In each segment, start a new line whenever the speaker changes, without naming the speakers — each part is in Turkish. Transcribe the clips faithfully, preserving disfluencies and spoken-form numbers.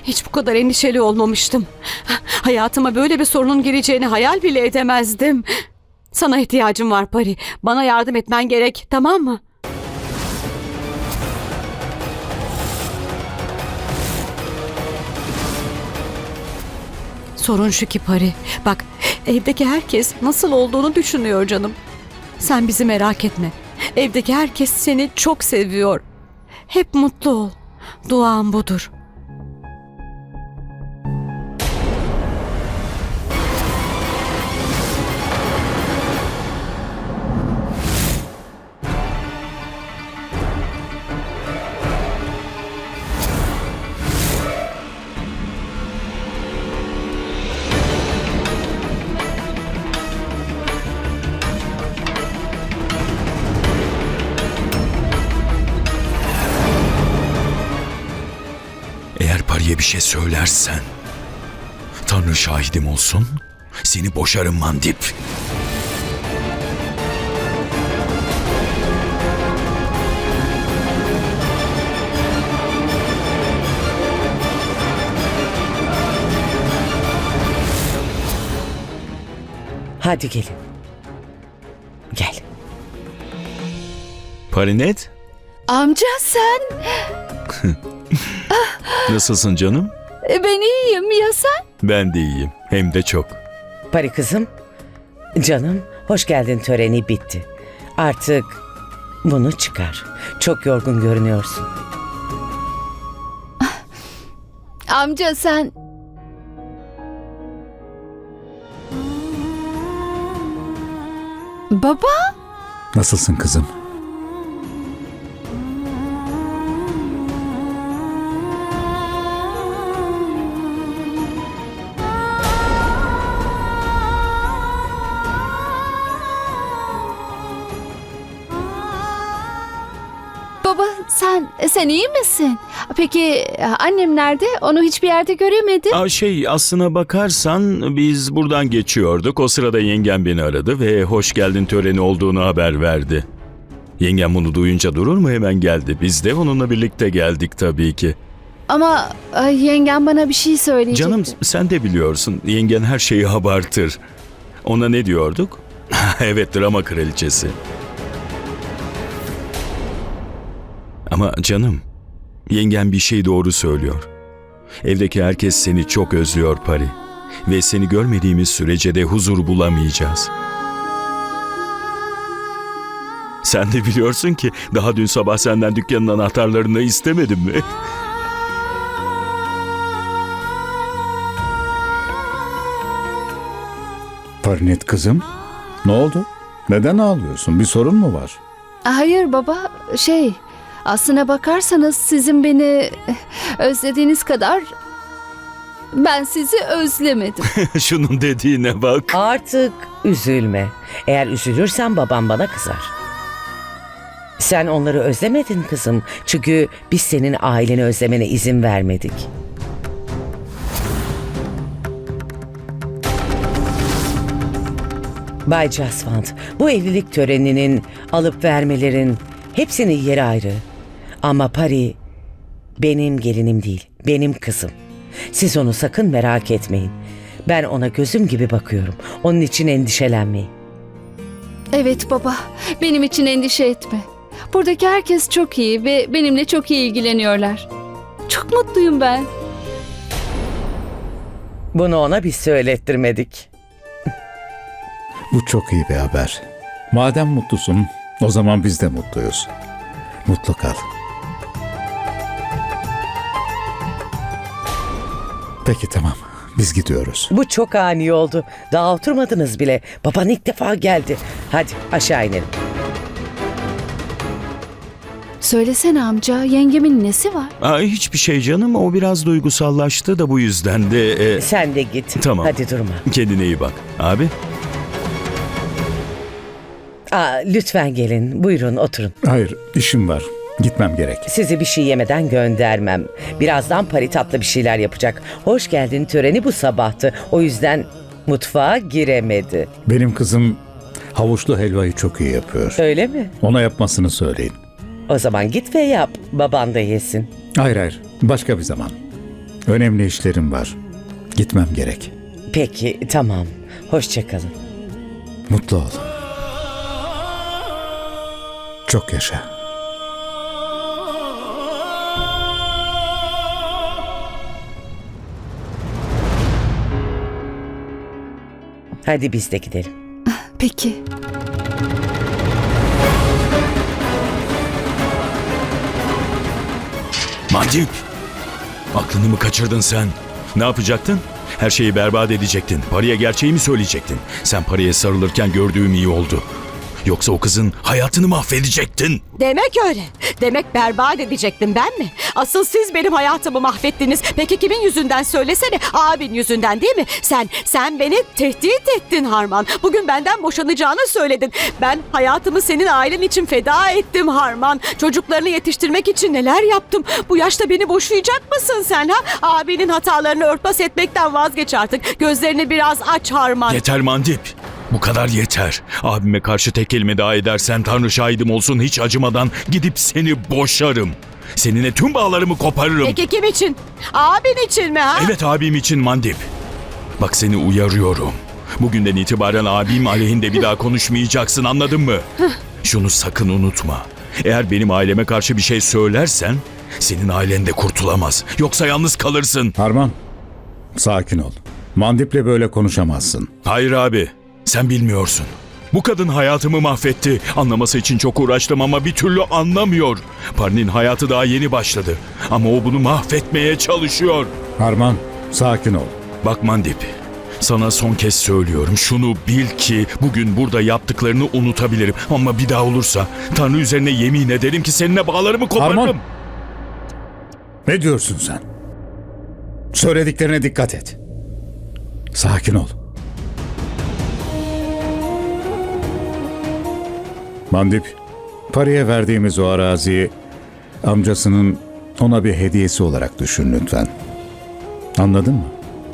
Hiç bu kadar endişeli olmamıştım. Hayatıma böyle bir sorunun gireceğini hayal bile edemezdim. Sana ihtiyacım var Pari. Bana yardım etmen gerek, tamam mı? Sorun şu ki Pari. Bak, evdeki herkes nasıl olduğunu düşünüyor canım. Sen bizi merak etme. Evdeki herkes seni çok seviyor. Hep mutlu ol. Duam budur.
Eğer Pari'ye bir şey söylersen, Tanrı şahidim olsun, seni boşarım Mandip.
Hadi gelin. Gel.
Parinet,
Amca sen?
nasılsın canım?
Ben iyiyim ya sen?
Ben de iyiyim, hem de çok.
Pari kızım, canım, hoş geldin töreni bitti. Artık bunu çıkar. Çok yorgun görünüyorsun.
Amca sen? Baba?
Nasılsın kızım?
Baba sen, sen iyi misin? Peki annem nerede? Onu hiçbir yerde göremedim.
Aa, şey, aslına bakarsan biz buradan geçiyorduk. O sırada yengem beni aradı ve hoş geldin töreni olduğunu haber verdi. Yengem bunu duyunca durur mu, hemen geldi. Biz de onunla birlikte geldik tabii ki.
Ama ay, yengem bana bir şey söyleyecekti.
Canım, sen de biliyorsun, yengen her şeyi abartır. Ona ne diyorduk? Evet, drama kraliçesi. Ama canım, yengen bir şey doğru söylüyor. Evdeki herkes seni çok özlüyor Pari. Ve seni görmediğimiz sürece de huzur bulamayacağız. Sen de biliyorsun ki daha dün sabah senden dükkanın anahtarlarını istemedim mi?
Parinet kızım, ne oldu? Neden ağlıyorsun? Bir sorun mu var?
Hayır baba, şey... Aslına bakarsanız sizin beni özlediğiniz kadar ben sizi özlemedim.
Şunun dediğine bak.
Artık üzülme. Eğer üzülürsen babam bana kızar. Sen onları özlemedin kızım. Çünkü biz senin aileni özlemene izin vermedik. Bay Jaswant, bu evlilik töreninin, alıp vermelerin hepsinin yeri ayrı. Ama Pari benim gelinim değil, benim kızım. Siz onu sakın merak etmeyin. Ben ona gözüm gibi bakıyorum. Onun için endişelenmeyin.
Evet baba, benim için endişe etme. Buradaki herkes çok iyi ve benimle çok iyi ilgileniyorlar. Çok mutluyum ben.
Bunu ona biz söylettirmedik.
Bu çok iyi bir haber. Madem mutlusun, o zaman biz de mutluyuz. Mutlu kal. Peki tamam, biz gidiyoruz.
Bu çok ani oldu. Daha oturmadınız bile. Baban ilk defa geldi. Hadi aşağı inelim.
Söylesene amca, yengemin nesi var?
Aa, hiçbir şey canım, o biraz duygusallaştı da bu yüzden de... e,
Sen de git.
Tamam.
Hadi durma.
Kendine iyi bak. Abi?
Aa, lütfen gelin. Buyurun oturun.
Hayır, işim var. Gitmem gerek.
Sizi bir şey yemeden göndermem. Birazdan Pari tatlı bir şeyler yapacak. Hoş geldin töreni bu sabahtı. O yüzden mutfağa giremedi.
Benim kızım havuçlu helvayı çok iyi yapıyor.
Öyle mi?
Ona yapmasını söyleyin.
O zaman git ve yap. Baban da yesin.
Hayır hayır, başka bir zaman. Önemli işlerim var. Gitmem gerek.
Peki, tamam. Hoşça kalın.
Mutlu ol. Çok yaşa.
Hadi biz de gidelim.
Peki.
Mandip! Aklını mı kaçırdın sen? Ne yapacaktın? Her şeyi berbat edecektin. Paraya gerçeği mi söyleyecektin? Sen paraya sarılırken gördüğüm iyi oldu. Yoksa o kızın hayatını mahvedecektin.
Demek öyle. Demek berbat edecektim ben mi? Asıl siz benim hayatımı mahvettiniz. Peki kimin yüzünden söylesene? Abin yüzünden değil mi? Sen, sen beni tehdit ettin Harman. Bugün benden boşanacağını söyledin. Ben hayatımı senin ailen için feda ettim Harman. Çocuklarını yetiştirmek için neler yaptım? Bu yaşta beni boşayacak mısın sen ha? Abinin hatalarını örtbas etmekten vazgeç artık. Gözlerini biraz aç Harman.
Yeter Mandip. Bu kadar yeter. Abime karşı tek kelime daha edersen Tanrı şahidim olsun hiç acımadan gidip seni boşarım. Seninle tüm bağlarımı koparırım.
Peki kim için? Abin için mi ha?
Evet abim için Mandip. Bak seni uyarıyorum. Bugünden itibaren abim aleyhinde bir daha konuşmayacaksın anladın mı? Şunu sakın unutma. Eğer benim aileme karşı bir şey söylersen senin ailen de kurtulamaz. Yoksa yalnız kalırsın.
Harman, sakin ol. Mandip'le böyle konuşamazsın.
Hayır abi, sen bilmiyorsun. Bu kadın hayatımı mahvetti. Anlaması için çok uğraştım ama bir türlü anlamıyor. Parinin hayatı daha yeni başladı. Ama o bunu mahvetmeye çalışıyor.
Harman, sakin ol.
Bak Mandip, sana son kez söylüyorum. Şunu bil ki bugün burada yaptıklarını unutabilirim. Ama bir daha olursa Tanrı üzerine yemin ederim ki seninle bağlarımı koparırım.
Harman! Ne diyorsun sen? Söylediklerine dikkat et. Sakin ol. Mandip, paraya verdiğimiz o araziyi amcasının ona bir hediyesi olarak düşün lütfen. Anladın mı?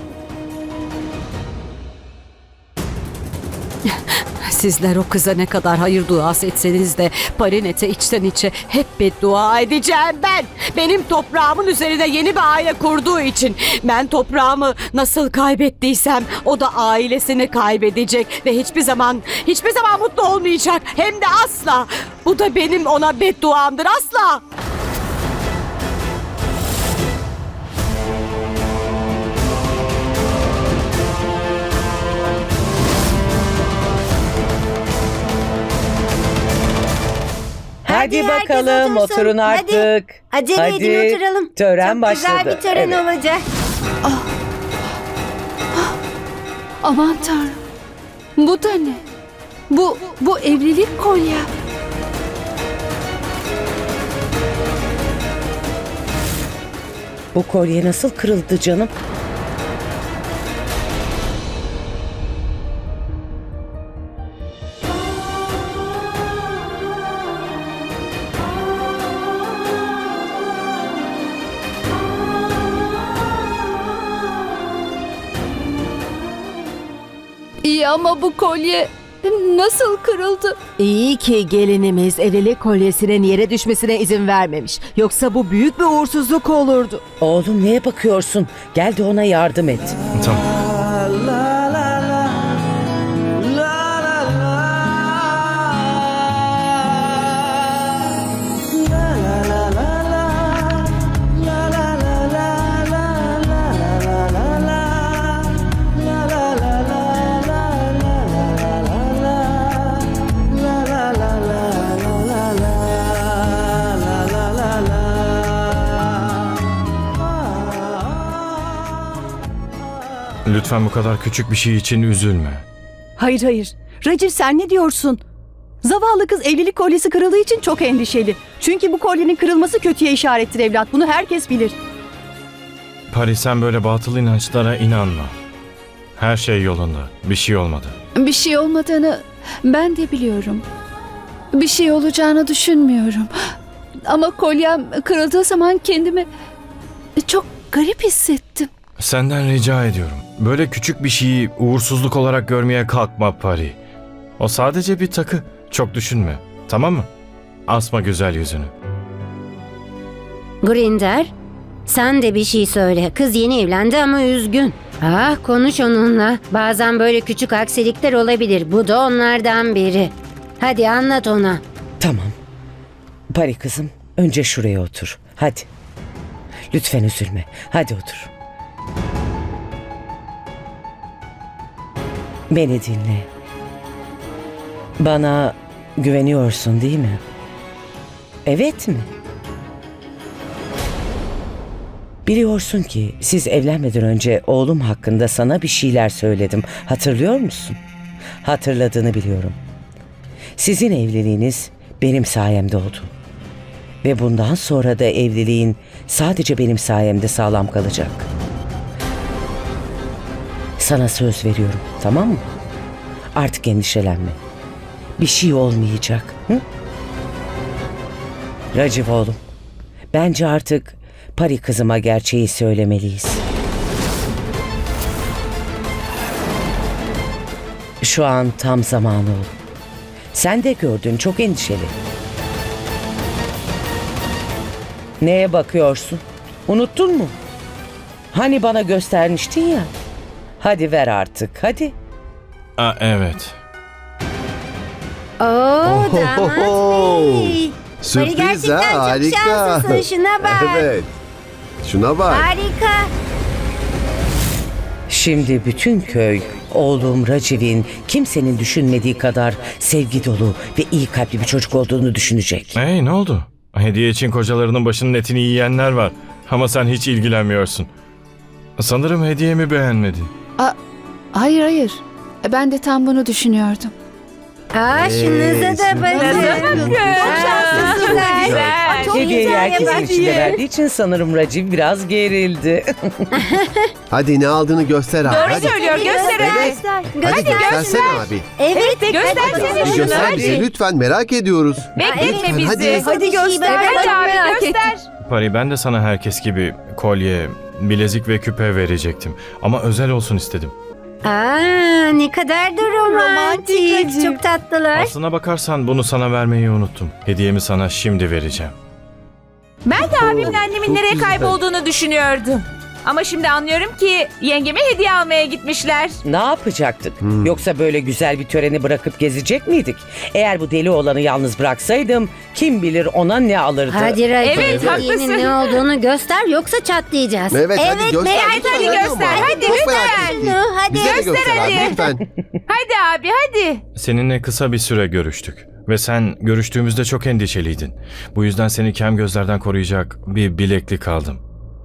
Sizler o kıza ne kadar hayır duası etseniz de Parinet'e içten içe hep beddua edeceğim ben. Benim toprağımın üzerine yeni bir aile kurduğu için ben toprağımı nasıl kaybettiysem o da ailesini kaybedecek ve hiçbir zaman hiçbir zaman mutlu olmayacak. Hem de asla. Bu da benim ona bedduamdır asla.
Hadi,
Hadi herkes
bakalım
otursun.
oturun
Hadi.
artık.
Acele edin oturalım.
Tören
Çok
başladı.
güzel bir tören
Evet.
olacak.
Aman Tanrım. Bu da ne? Bu, bu evlilik kolye.
Bu kolye nasıl kırıldı canım?
İyi ama bu kolye nasıl kırıldı?
İyi ki gelinimiz evlilik kolyesinin yere düşmesine izin vermemiş. Yoksa bu büyük bir uğursuzluk olurdu.
Oğlum neye bakıyorsun? Gel de ona yardım et.
Lütfen bu kadar küçük bir şey için üzülme.
Hayır hayır. Racir sen ne diyorsun? Zavallı kız evlilik kolyesi kırıldığı için çok endişeli. Çünkü bu kolyenin kırılması kötüye işarettir evlat. Bunu herkes bilir.
Pari sen böyle batıl inançlara inanma. Her şey yolunda. Bir şey olmadı.
Bir şey olmadığını ben de biliyorum. Bir şey olacağını düşünmüyorum. Ama kolyem kırıldığı zaman kendimi çok garip hissettim.
Senden rica ediyorum. Böyle küçük bir şeyi uğursuzluk olarak görmeye kalkma Pari. O sadece bir takı. Çok düşünme. Tamam mı? Asma güzel yüzünü.
Grinder, Sen de bir şey söyle. Kız yeni evlendi ama üzgün. Ah, konuş onunla. Bazen böyle küçük aksilikler olabilir. Bu da onlardan biri. Hadi anlat ona.
Tamam. Pari kızım, önce şuraya otur. Hadi. Lütfen üzülme. Hadi otur. Beni dinle. Bana güveniyorsun değil mi? Evet mi? Biliyorsun ki siz evlenmeden önce oğlum hakkında sana bir şeyler söyledim. Hatırlıyor musun? Hatırladığını biliyorum. Sizin evliliğiniz benim sayemde oldu. Ve bundan sonra da evliliğin sadece benim sayemde sağlam kalacak. Sana söz veriyorum, tamam mı? Artık endişelenme. Bir şey olmayacak. Hı? Raciv oğlum, bence artık Pari kızıma gerçeği söylemeliyiz. Şu an tam zamanı oğlum. Sen de gördün, çok endişeli. Neye bakıyorsun? Unuttun mu? Hani bana göstermiştin ya. Hadi ver artık, hadi.
Aa, evet.
Oo, damat bey.
Sürpriz
gerçekten
ha,
çok
harika.
şanslısın, şuna bak.
Evet. Şuna bak.
Harika.
Şimdi bütün köy oğlum Raciv'in kimsenin düşünmediği kadar sevgi dolu ve iyi kalpli bir çocuk olduğunu düşünecek.
Hey, ne oldu? Hediye için kocalarının başının etini yiyenler var. Ama sen hiç ilgilenmiyorsun. Sanırım hediyemi beğenmedin.
Hayır hayır. Ben de tam bunu düşünüyordum.
Aa, şunuza da bakın. Çok şanslısın. Güzel. Çok
Hediyeyi
güzel
herkesin
yapar.
içinde verdiği için sanırım Raciv biraz gerildi.
Hadi ne aldığını göster abi. Hadi.
söylüyor. Göster hadi. Göster.
Hadi göstersene abi.
Evet.
Göstersene
Bir
şunu,
göster
hadi.
bize lütfen, merak ediyoruz.
Bekletme bizi.
Hadi.
Hadi göster.
Hadi abi göster.
Pari, ben de sana herkes gibi kolye, bilezik ve küpe verecektim. Ama özel olsun istedim.
Aa, ne kadar da romantik. Çok tatlılar.
Aslına bakarsan bunu sana vermeyi unuttum. Hediyemi sana şimdi vereceğim.
Ben de abimle annemin
çok
nereye
güzel.
kaybolduğunu düşünüyordum. Ama şimdi anlıyorum ki yengeme hediye almaya gitmişler.
Ne yapacaktık?
Hmm.
Yoksa böyle güzel bir töreni bırakıp gezecek miydik? Eğer bu deli olanı yalnız bıraksaydım kim bilir ona ne alırdı?
Hadi Raci,
Evet,
hediyenin
haklısın.
ne olduğunu göster yoksa çatlayacağız.
Evet, hadi göster.
merak
lütfen,
hadi
hadi
göster,
ama.
hadi
Çok
lütfen.
merak ettik.
Şunu, hadi.
Bize de
Göster
göster abi
hadi.
lütfen.
Hadi abi hadi.
Seninle kısa bir süre görüştük. Ve sen görüştüğümüzde çok endişeliydin. Bu yüzden seni kem gözlerden koruyacak bir bileklik aldım.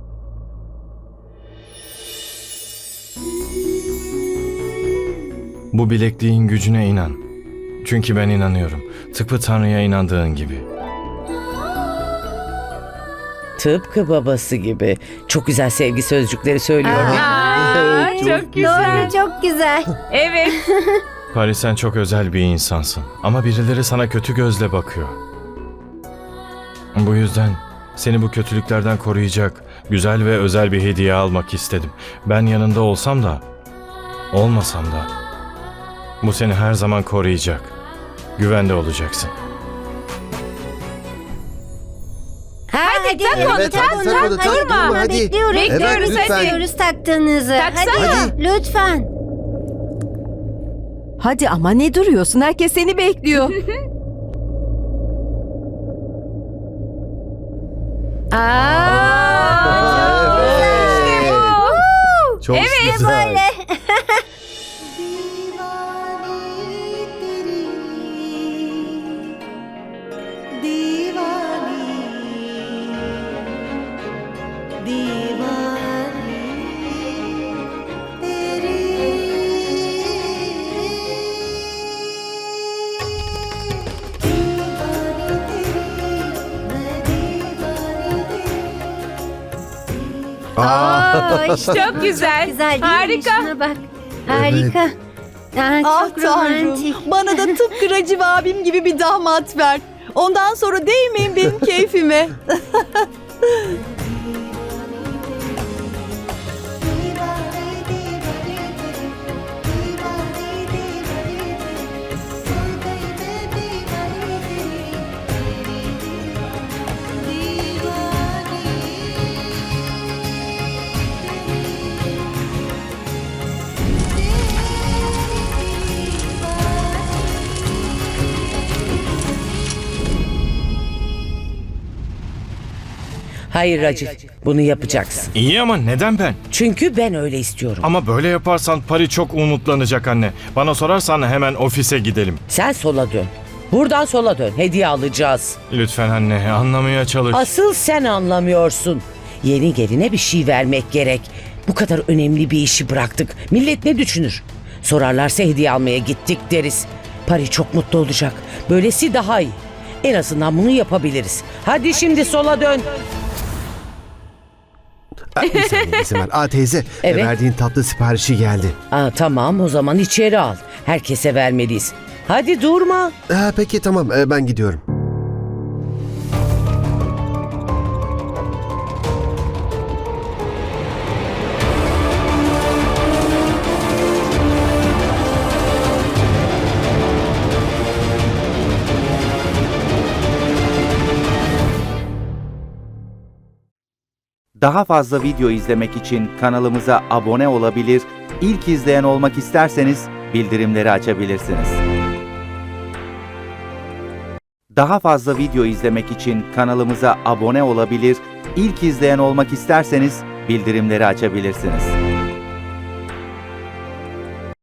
Bu bilekliğin gücüne inan. Çünkü ben inanıyorum. Tıpkı Tanrı'ya inandığın gibi.
Tıpkı babası gibi. Çok güzel sevgi sözcükleri söylüyor.
Aa, çok güzel.
Doğru, çok güzel.
Evet.
Paris, sen çok özel bir insansın. Ama birileri sana kötü gözle bakıyor. Bu yüzden seni bu kötülüklerden koruyacak güzel ve özel bir hediye almak istedim. Ben yanında olsam da, olmasam da bu seni her zaman koruyacak. Güvende olacaksın.
Hadi,
tak onu,
Evet,
tak,
hadi tak onu, tak, durma, hadi.
Bekliyoruz.
Evet, lütfen.
Bekliyoruz taktığınızı.
Taksana.
Hadi, lütfen.
Hadi ama ne duruyorsun? Herkes seni bekliyor.
Aa,
Evet. Çok güzel.
Aa, işte
Çok
bu
güzel.
güzel değil mi?
Harika.
Şuna bak. Harika. Aa,
Ah
çok romantik.
Tanrım, bana da tıpkı Raciv abim gibi bir damat ver. Ondan sonra değmeyin benim keyfime.
Hayır Racif, bunu yapacaksın.
İyi ama neden ben?
Çünkü ben öyle istiyorum.
Ama böyle yaparsan Pari çok umutlanacak anne. Bana sorarsan hemen ofise gidelim.
Sen sola dön. Buradan sola dön. Hediye alacağız.
Lütfen anne, anlamaya çalış.
Asıl sen anlamıyorsun. Yeni geline bir şey vermek gerek. Bu kadar önemli bir işi bıraktık. Millet ne düşünür? Sorarlarsa hediye almaya gittik deriz. Pari çok mutlu olacak. Böylesi daha iyi. En azından bunu yapabiliriz. Hadi şimdi sola dön.
Aa, bir saniye izin ver. Aa teyze,
Evet.
verdiğin tatlı siparişi geldi.
Aa, tamam o zaman içeri al. Herkese vermeliyiz. Hadi durma.
Aa, peki tamam, Ee, ben gidiyorum.
Daha fazla video izlemek için kanalımıza abone olabilir, ilk izleyen olmak isterseniz bildirimleri açabilirsiniz. Daha fazla video izlemek için kanalımıza abone olabilir, ilk izleyen olmak isterseniz bildirimleri açabilirsiniz.